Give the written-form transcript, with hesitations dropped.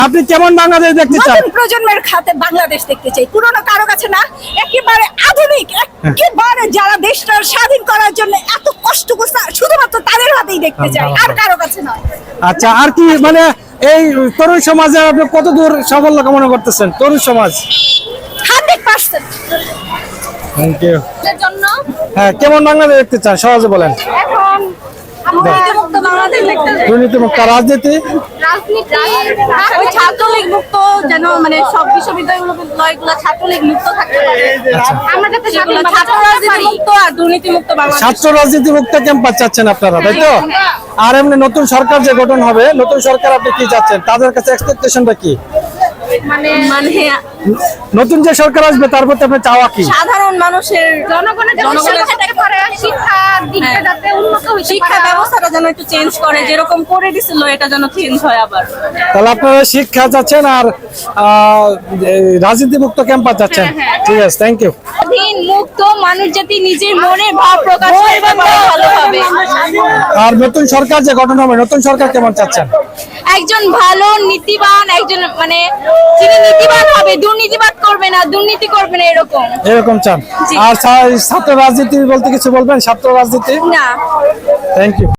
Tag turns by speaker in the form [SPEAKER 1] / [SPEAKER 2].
[SPEAKER 1] আপনি কেমন বাংলাদেশ দেখতে চান?
[SPEAKER 2] নতুন প্রজন্মের খাতে বাংলাদেশ দেখতে চাই, পুরনো কারো কাছে না, একেবারে আধুনিক, একেবারে যারা দেশটা স্বাধীন করার জন্য এত কষ্ট করছে শুধুমাত্র তাদের হাতেই দেখতে চাই, আর কারো কাছে নয়।
[SPEAKER 1] আচ্ছা, আর কি মানে এই তরুণ সমাজে আপনি কত দূর সাফল্য কামনা করতেছেন তরুণ সমাজ?
[SPEAKER 2] 100%।
[SPEAKER 1] Thank you.
[SPEAKER 2] এর জন্য
[SPEAKER 1] হ্যাঁ, কেমন বাংলাদেশ দেখতে চান সহজে বলেন?
[SPEAKER 2] এখন দুর্নীতিমুক্ত বাংলাদেশ দেখতে চাই।
[SPEAKER 1] দুর্নীতিমুক্ত রাজনীতি,
[SPEAKER 2] রাজনীতি ওই ছাত্রলীগ মুক্ত, যেন মানে সব বিশ্ববিদ্যালয়গুলো ছাত্রলীগ মুক্ত থাকতে পারে। আমরা যাতে ছাত্র রাজনীতি মুক্ত আর দুর্নীতি মুক্ত বাংলাদেশ।
[SPEAKER 1] ছাত্র রাজনীতি মুক্ত ক্যাম্পাস চাচ্ছেন আপনারা, তাই তো? আর এমনি নতুন সরকার যে গঠন হবে, নতুন সরকার আপনি কি চাচ্ছেন? তাদের কাছে এক্সপেকটেশনটা কি?
[SPEAKER 2] মানে
[SPEAKER 1] নতুন যে সরকার আসবে তার প্রতি আপনার চাওয়া কি?
[SPEAKER 2] সাধারণ মানুষের জনগণের শিক্ষা দিকটা যাতে উন্নত হয়, শিক্ষা ব্যবস্থাটা যেন একটু চেঞ্জ করে, যেরকম করে দিছিল এটা যেন চেঞ্জ হয় আবার।
[SPEAKER 1] তাহলে আপনারা শিক্ষা চাচ্ছেন আর রাজনীতি মুক্ত ক্যাম্পাস চাচ্ছেন। ঠিক আছে, থ্যাংক ইউ।
[SPEAKER 2] স্বাধীন মুক্ত মানুষ যাতে নিজের মনের ভাব প্রকাশ করতে পারে ভালোভাবে।
[SPEAKER 1] আর নতুন সরকার যে গঠন হবে, নতুন সরকার কেমন চাচ্ছেন?
[SPEAKER 2] একজন ভালো নীতিবান, একজন মানে যিনি নীতিবান হবে, দুর্নীতিবাদ করবে না, দুর্নীতি করবে না,
[SPEAKER 1] এরকম চান।
[SPEAKER 2] জি।
[SPEAKER 1] আর ছাত্র রাজনীতি বলতে কিছু বলবেন? ছাত্র রাজনীতি,
[SPEAKER 2] না।
[SPEAKER 1] Thank you.